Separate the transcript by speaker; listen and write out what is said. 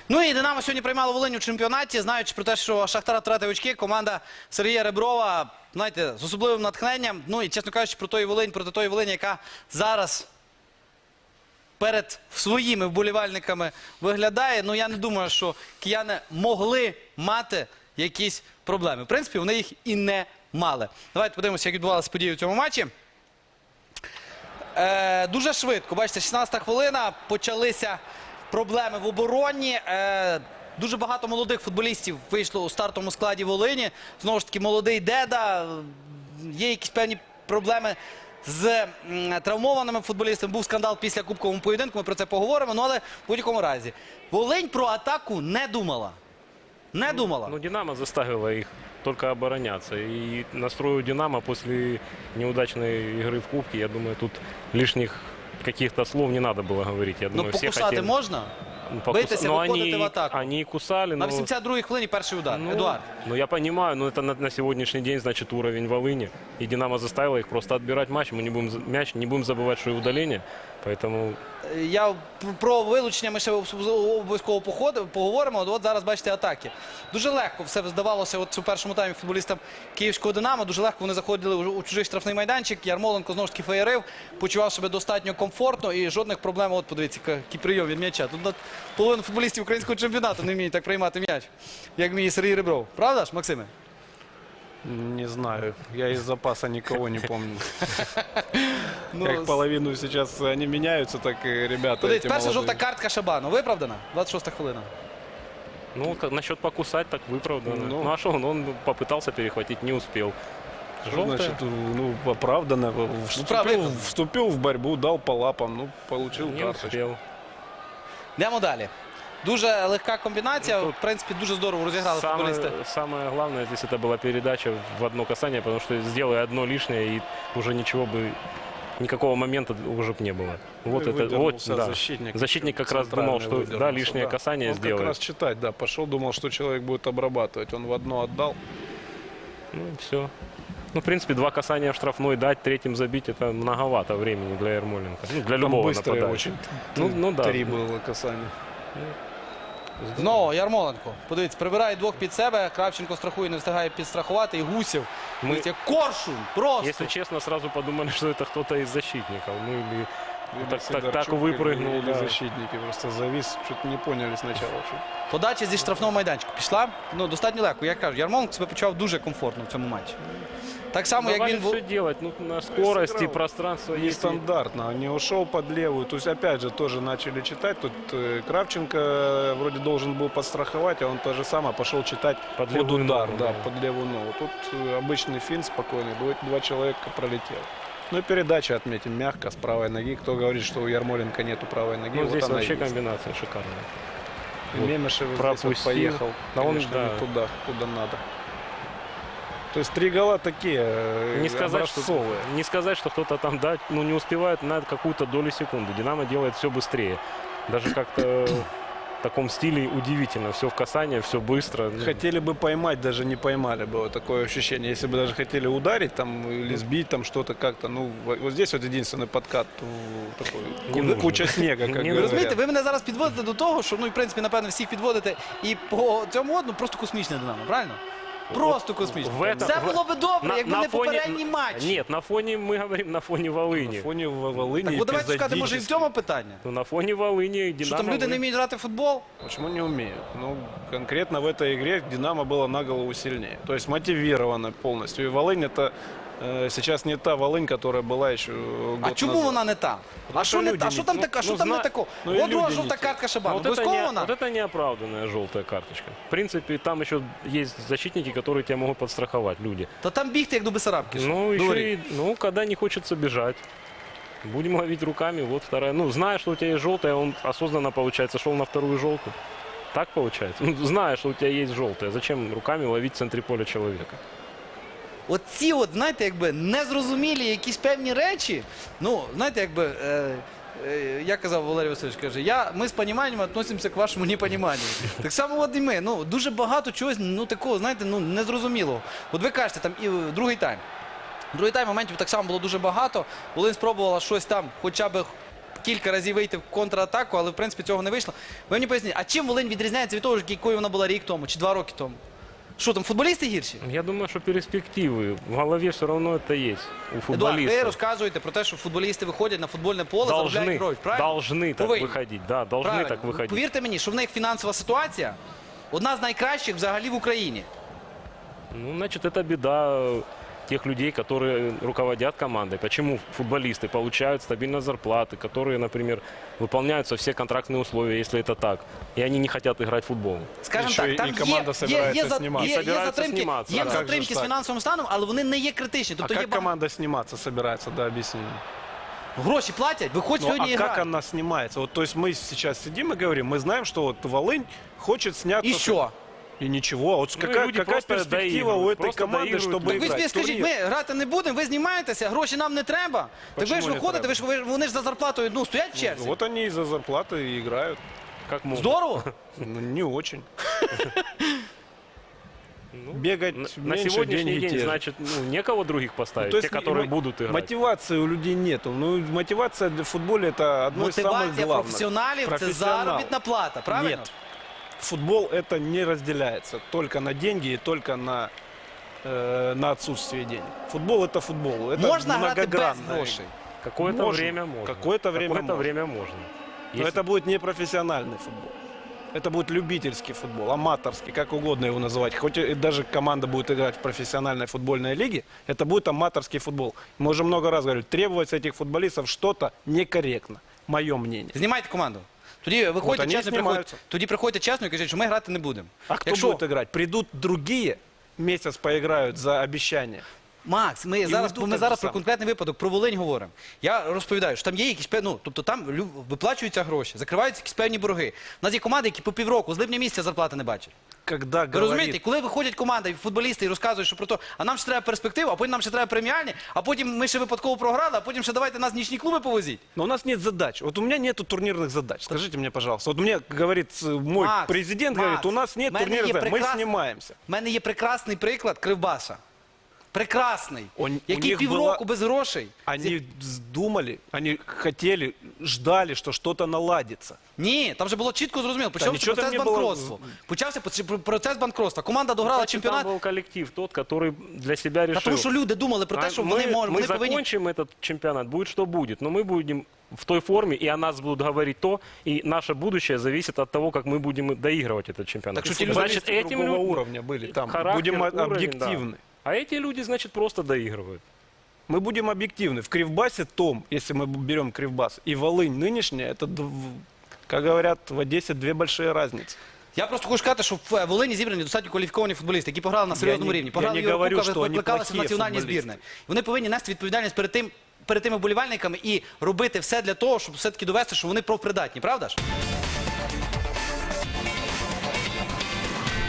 Speaker 1: Ну і Динамо сьогодні приймало Волинь у чемпіонаті, знаючи про те, що Шахтар втратив очки, команда Сергія Реброва, знаєте, з особливим натхненням. Ну і, чесно кажучи, проти тої Волині, яка зараз перед своїми вболівальниками виглядає. Ну, я не думаю, що кияни могли мати якісь проблеми. В принципі, вони їх і не мали. Давайте подивимося, як відбувалися події у цьому матчі. Дуже швидко, бачите, 16-та хвилина, почалися проблеми в обороні. Дуже багато молодих футболістів вийшло у стартовому складі Волині. Знову ж таки, молодий Деда. Є якісь певні проблеми з травмованими футболістами. Був скандал після кубкового поєдинку, ми про це поговоримо. Ну, але в будь-якому разі, Волинь про атаку не думала. Не думала.
Speaker 2: Ну, Динамо заставило их только обороняться. И настрою Динамо после неудачной игры в Кубке, я думаю, тут лишних каких-то слов не надо было говорить. Я думаю,
Speaker 1: Ну, покусати можна? Битися, виходити в атаку.
Speaker 2: Они кусали.
Speaker 1: На 82-й хвилині перший удар. Едуард.
Speaker 2: Ну, я понимаю, но это на сегодняшний день, значит, уровень Волыни. И Динамо заставило их просто отбирать матч. Мы не будем забывать, что и удаление. Поэтому...
Speaker 1: Я про вилучення ми ще обов'язково поговоримо. От зараз бачите атаки. Дуже легко все здавалося у першому таймі футболістам київського Динамо. Дуже легко вони заходили у чужий штрафний майданчик. Ярмоленко знову ж таки феєрив, почував себе достатньо комфортно і жодних проблем. От подивіться, який прийом від м'яча. Тут половина футболістів українського чемпіонату не вміють так приймати м'яч, як вміє Сергій Ребров. Правда ж, Максиме?
Speaker 3: Не знаю. Я из запаса никого не помню. Как половину сейчас они меняются, так и ребята.
Speaker 1: Подивіться, перша жовта картка Шабану. Виправдана? 26-та хвилина.
Speaker 2: Ну, насчет покусать, так выправдано. Ну, а что он попытался перехватить, не успел.
Speaker 3: Значит, ну, оправданно. Вступил в борьбу, дал по лапам, ну, получил карточку.
Speaker 2: Успел.
Speaker 1: Йдемо далі. Дуже легка комбінація, в принципі, дуже здорово розіграли футболісти.
Speaker 2: Самое главное здесь это была передача в одно касание, потому что сделай одно лишнее, и уже ничего бы, никакого момента уже бы не было. Вот это, вот, да. Защитник как раз думал, что да, лишнее касание сделает.
Speaker 3: Он как раз читать, да, пошел, думал, что человек будет обрабатывать. Он в одно отдал.
Speaker 2: Ну, все. Ну, в принципе, два касания в штрафной дать, третьим забить, это многовато времени для Ярмоленко. Ну, для любого нападающего.
Speaker 3: Очень.
Speaker 2: Ну, да.
Speaker 3: 3 было касания.
Speaker 1: Знову Ярмоленко. Подивіться, прибирає двох під себе. Кравченко страхує, не встигає підстрахувати. І Гусєв. Подивіться, Коршун. Просто.
Speaker 2: Если честно, сразу подумали, что это кто-то из защитников. Ну, или так
Speaker 3: Сидорчук
Speaker 2: выпрыгнул.
Speaker 3: или
Speaker 2: Да.
Speaker 3: защитники просто завис. Что-то не поняли сначала.
Speaker 1: Подача зі штрафного майданчика пішла. Ну, достатньо легко. Я кажу, Ярмоленко себе почував дуже комфортно в цьому матчі. Так само, як
Speaker 2: Давали
Speaker 1: він був.
Speaker 2: все делать, ну, на скорости,
Speaker 3: сыграл
Speaker 2: пространство есть.
Speaker 3: Нестандартно, не ушел под левую. То есть, опять же, тоже начали читать. Тут Кравченко вроде должен был подстраховать, а он то же самое пошел читать под
Speaker 2: левую
Speaker 3: удар,
Speaker 2: ногу,
Speaker 3: да,
Speaker 2: да.
Speaker 3: под левую ногу. Тут обычный финт спокойный, два человека пролетел. Ну и передача, отметим, мягко, с правой ноги. Кто говорит, что у Ярмоленко нету правой ноги,
Speaker 2: Ну,
Speaker 3: вот
Speaker 2: здесь
Speaker 3: она
Speaker 2: вообще
Speaker 3: есть.
Speaker 2: комбинация шикарная.
Speaker 3: И Мемешев здесь вот
Speaker 2: пропустил.
Speaker 3: поехал,
Speaker 2: Да он,
Speaker 3: конечно,
Speaker 2: да.
Speaker 3: не туда, куда надо. То есть 3 гола такие
Speaker 2: Не сказать, что кто-то там дать, ну, не успевает на какую-то долю секунды. Динамо делает все быстрее. Даже как-то в таком стиле удивительно. Все в касание, все быстро.
Speaker 3: Хотели бы поймать, даже не поймали бы. Вот такое ощущение. Если бы даже хотели ударить там или сбить там что-то как-то. Ну, вот здесь вот единственный подкат. Такой, куча снега, как
Speaker 1: Ви
Speaker 3: говорят.
Speaker 1: розумієте, ви мене зараз підводите до того, що, ну, і, в принципі, напевно, всіх підводите. І по цьому, ну, просто космічне Динамо, правильно? Просто космічне. Все було би добре, якби не попередній матч.
Speaker 2: Нет, на фоне, мы говорим, на фоне Волыни.
Speaker 3: На фоне Волыни
Speaker 1: Так, давайте шукати, може, і в цьому питання.
Speaker 2: Ну, на фоне Волыни Динамо...
Speaker 1: Що там люди не вміють грати в футбол?
Speaker 3: Почему не умеют? Ну, конкретно в этой игре Динамо было на голову сильнее. То есть мотивировано полностью. И Волынь это сейчас не та Волынь, которая была еще год
Speaker 1: А чому
Speaker 3: назад.
Speaker 1: вона не та? А що не та? Що там така? Що там не такого? От друга жовта картка Шабану.
Speaker 2: Вот
Speaker 1: Обов'язково вона?
Speaker 2: это неоправданная желтая карточка. В принципе, там еще есть защитники, которые тебя могут подстраховать, люди.
Speaker 1: Та там бігти, як до Бесарабки.
Speaker 2: Ну, еще и, ну, когда не хочется бежать. Будем ловить руками, вот вторая. Ну, зная, что у тебя есть желтая, он осознанно, получается, шел на вторую желтую. Так получается? Ну, зная, что у тебя есть желтая, зачем руками ловить в центре поля человека?
Speaker 1: От ці, от, знаєте, якби незрозумілі якісь певні речі, ну, знаєте, якби, я казав Валерій Васильович, каже, ми з поніманням відносимося к вашому непоніманню. Так само от і ми, ну, дуже багато чогось, ну, такого, знаєте, ну, незрозумілого. От ви кажете, там, і другий тайм. Другий тайм моментів так само було дуже багато. Волинь спробувала щось там, хоча б кілька разів вийти в контратаку, але в принципі цього не вийшло. Ви мені поясніть, а чим Волинь відрізняється від того, якою вона була рік тому чи 2 роки тому? Що там, футболісти гірші?
Speaker 2: Я думаю, что перспективы в голове все равно это есть у
Speaker 1: Едуард, ви
Speaker 2: футболистов.
Speaker 1: розказуєте про те, що футболісти виходять на футбольне поле, заробляють
Speaker 2: Должны,
Speaker 1: гроші, правильно?
Speaker 2: должны так
Speaker 1: Повинні.
Speaker 2: выходить, да, должны
Speaker 1: Правильно.
Speaker 2: так выходить.
Speaker 1: Повірте мені, що в них фінансова ситуація одна з найкращих взагалі в Україні.
Speaker 2: Ну, значит, это беда тех людей, которые руководят командой. Почему футболисты получают стабильно зарплаты, которые, например, выполняются все контрактные условия, если это так, и они не хотят играть в футбол.
Speaker 1: Скажімо
Speaker 3: Ще
Speaker 1: так,
Speaker 3: і
Speaker 1: там
Speaker 3: команда собирається зніматися.
Speaker 1: є
Speaker 2: Собирається
Speaker 1: затримки,
Speaker 2: зніматися,
Speaker 1: є
Speaker 2: а як
Speaker 3: же
Speaker 1: затримки
Speaker 3: ж
Speaker 1: з
Speaker 3: так?
Speaker 1: фінансовим станом, але вони не є критичні.
Speaker 3: А
Speaker 1: Тобто є
Speaker 3: как команда сниматься собирается, да, объясни.
Speaker 1: гроші платять, виходь
Speaker 3: Ну,
Speaker 1: сьогодні
Speaker 3: а
Speaker 1: і
Speaker 3: как
Speaker 1: грай.
Speaker 3: она снимается? Вот, то есть мы сейчас сидим и говорим, мы знаем, что вот Волынь хочет сняться.
Speaker 1: І що?
Speaker 3: И ничего. Вот
Speaker 2: Ну, и
Speaker 3: какая,
Speaker 2: люди
Speaker 3: какая
Speaker 2: просто
Speaker 3: перспектива у
Speaker 2: доигрывают,
Speaker 3: этой
Speaker 2: просто
Speaker 3: команды,
Speaker 2: доигрывают.
Speaker 3: чтобы
Speaker 2: Так
Speaker 1: Ви ж
Speaker 3: играть?
Speaker 1: мені скажіть,
Speaker 3: Турнир.
Speaker 1: ми грати не будемо, ви знімаєтеся, гроші нам не треба. Так ви
Speaker 3: Почему
Speaker 1: ж
Speaker 3: не
Speaker 1: виходите, вони ж за зарплатою стоять в черзі.
Speaker 3: Вот они из-за зарплаты и играют.
Speaker 2: Как могут.
Speaker 1: Здорово.
Speaker 3: Ну, не очень.
Speaker 2: Ну,
Speaker 3: Бегать
Speaker 2: на
Speaker 3: меньше,
Speaker 2: сегодняшний
Speaker 3: деньги
Speaker 2: день,
Speaker 3: те же.
Speaker 2: значит, ну, некого других поставить,
Speaker 3: То есть
Speaker 2: те, которые
Speaker 3: мо-
Speaker 2: будут играть.
Speaker 3: Мотивации у людей нету. Ну, мотивация в футболе это одно из самых
Speaker 1: Мотивація
Speaker 3: главных.
Speaker 1: професіоналів це
Speaker 3: Профессионал.
Speaker 1: заробітна плата, правильно?
Speaker 3: Нет. Футбол это не разделяется только на деньги и только на отсутствие денег. Футбол это футбол. Это
Speaker 1: Можна грати без
Speaker 3: многогранная
Speaker 1: грошей.
Speaker 2: Какое-то
Speaker 3: Можно.
Speaker 2: время можно.
Speaker 3: Какое-то время можно.
Speaker 2: время можно.
Speaker 3: Но
Speaker 2: Если-
Speaker 3: это будет не профессиональный футбол. Это будет любительский футбол, аматорский, как угодно его называть. Хоть и даже команда будет играть в профессиональной футбольной лиге, это будет аматорский футбол. Мы уже много раз говорили, требовать с этих футболистов что-то некорректно, мое мнение.
Speaker 1: Знімайте команду. Тоді виходьте
Speaker 3: вони
Speaker 1: чесно,
Speaker 3: знімаються.
Speaker 1: тоді приходьте чесно і кажіть, що ми грати не будемо.
Speaker 3: А кто будет играть? Придут другие, месяц поиграют за обещание.
Speaker 1: Макс, ми
Speaker 3: не
Speaker 1: зараз,
Speaker 3: йдуть
Speaker 1: ми
Speaker 3: так
Speaker 1: зараз
Speaker 3: же
Speaker 1: про
Speaker 3: само.
Speaker 1: конкретний випадок, про Волинь говоримо. Я розповідаю, що там є якісь тобто там виплачуються гроші, закриваються якісь певні борги. У нас є команди, які по півроку з липня місяця зарплати не бачать.
Speaker 3: Когда
Speaker 1: Ви розумієте,
Speaker 3: говорит,
Speaker 1: коли виходять команди, футболісти і розказують, що про то, а нам ще треба перспективу, а потім нам ще треба преміальні, а потім ми ще випадково програли, а потім ще давайте нас в нічні клуби повозіть.
Speaker 3: но у нас нет задач. Вот у меня нету турнирных задач. Скажите мне, пожалуйста. Вот мне говорит мой
Speaker 1: Макс,
Speaker 3: президент,
Speaker 1: Макс,
Speaker 3: говорит, у нас нет
Speaker 1: в мене
Speaker 3: турнирных
Speaker 1: є
Speaker 3: задач. Мы
Speaker 1: прекрас-
Speaker 3: снимаемся.
Speaker 1: У мене є прекрасний приклад Кривбаса. Прекрасний.
Speaker 3: У
Speaker 1: який
Speaker 3: них
Speaker 1: півроку
Speaker 3: була-
Speaker 1: без грошей.
Speaker 3: Они думали, они хотели, ждали, что что-то наладится.
Speaker 1: Ні, там вже було чітко зрозуміло. Почався
Speaker 3: нічого там
Speaker 1: процес
Speaker 3: не було.
Speaker 1: банкротства. Почався процес банкротства. Команда дограла
Speaker 2: Значит,
Speaker 1: чемпіонат.
Speaker 2: там был коллектив тот, который для себя решил.
Speaker 1: Та тому що люди думали про те, що вони можуть,
Speaker 2: мы
Speaker 1: вони повинні.
Speaker 2: закончим этот чемпионат, будет что будет, но мы будем в той форме, и о нас будут говорить то, и наше будущее зависит от того, как мы будем доигрывать этот чемпионат.
Speaker 1: Так что те
Speaker 2: Значит,
Speaker 3: Футболисты
Speaker 2: этим
Speaker 3: другого
Speaker 2: людям
Speaker 3: уровня были там.
Speaker 2: характер,
Speaker 3: Будем
Speaker 2: уровень,
Speaker 3: объективны.
Speaker 2: да. А эти люди, значит, просто доигрывают.
Speaker 3: Мы будем объективны. В Кривбасе том, если мы берем Кривбас, и Волынь нынешняя, это, как говорят, в Одессе две большие разницы.
Speaker 1: Я просто хочу сказати, що в Волині зібрані достатньо кваліфіковані футболісти, які пограли на серйозному
Speaker 3: не-
Speaker 1: рівні.
Speaker 3: я
Speaker 1: Пограли
Speaker 3: не
Speaker 1: в Єврокубках,
Speaker 3: говорю, що вони
Speaker 1: викликалися в
Speaker 3: плохі
Speaker 1: національні
Speaker 3: футболісти.
Speaker 1: збірні. Вони повинні нести відповідальність перед тими вболівальниками і робити все для того, щоб все-таки довести, що вони профпридатні, правда ж?